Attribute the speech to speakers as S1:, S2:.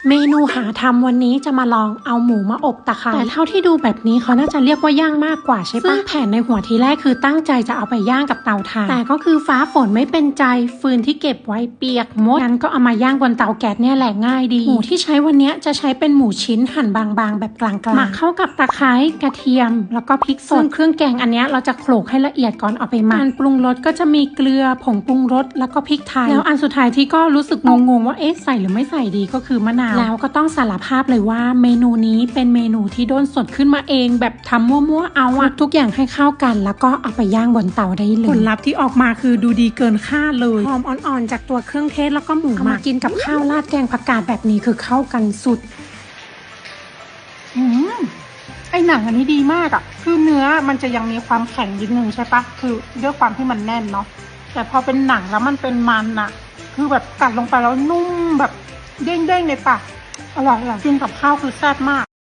S1: เมนูหาทำวันนี้จะมาลองเอาหมูมาอบตะไคร้แต่เท่าที่ดูแบบนี้เขาน่าจะเรียกว่าย่างมากกว่าใช่ปะซึ่งแผนในหัวทีแรกคือตั้งใจจะเอาไปย่างกับเตาถ่านแต่ก็คือฟ้าฝนไม่เป็นใจฟืนที่เก็บไว้เปียกหมดงั้นก็เอามาย่างบนเตาแก๊สเนี่ยแหละง่ายดีหมูที่ใช้วันนี้จะใช้เป็นหมูชิ้นหั่นบางๆแบบกลางๆหมักเข้ากับตะไคร้กระเทียมแล้วก็พริกสดเครื่องแกงอันนี้เราจะโขลกให้ละเอียดก่อนเอาไปหมักปรุงรสก็จะมีเกลือผงปรุงรสแล้วก็พริกไทยแล้วอันสุดท้ายที่ก็รู้สึกงงๆว่าเอ๊ะใส่หรือไม่ใส่ดีก็คือมะนาวแล้วก็ต้องสารภาพเลยว่าเมนูนี้เป็นเมนูที่โดนสดขึ้นมาเองแบบทำมั่วๆเอาอะทุกอย่างให้เข้ากันแล้วก็เอาไปย่างบนเตาได้เลยผลลัพธ์ที่ออกมาคือดูดีเกินคาดเลยหอมอ่อนๆจากตัวเครื่องเทศแล้วก็หมูมากินกับข้าวราดแกงผักกาดแบบนี้คือเข้ากันสุด
S2: ไอหนังอันนี้ดีมากอะคือเนื้อมันจะยังมีความแข็งนิดนึงใช่ปะคือด้วยความที่มันแน่นเนาะแต่พอเป็นหนังแล้วมันเป็นมันอะคือแบบกัดลงไปแล้วนุ่มแบบเด้งๆในปากอร่อยกินกับข้าวคือแซ่บมาก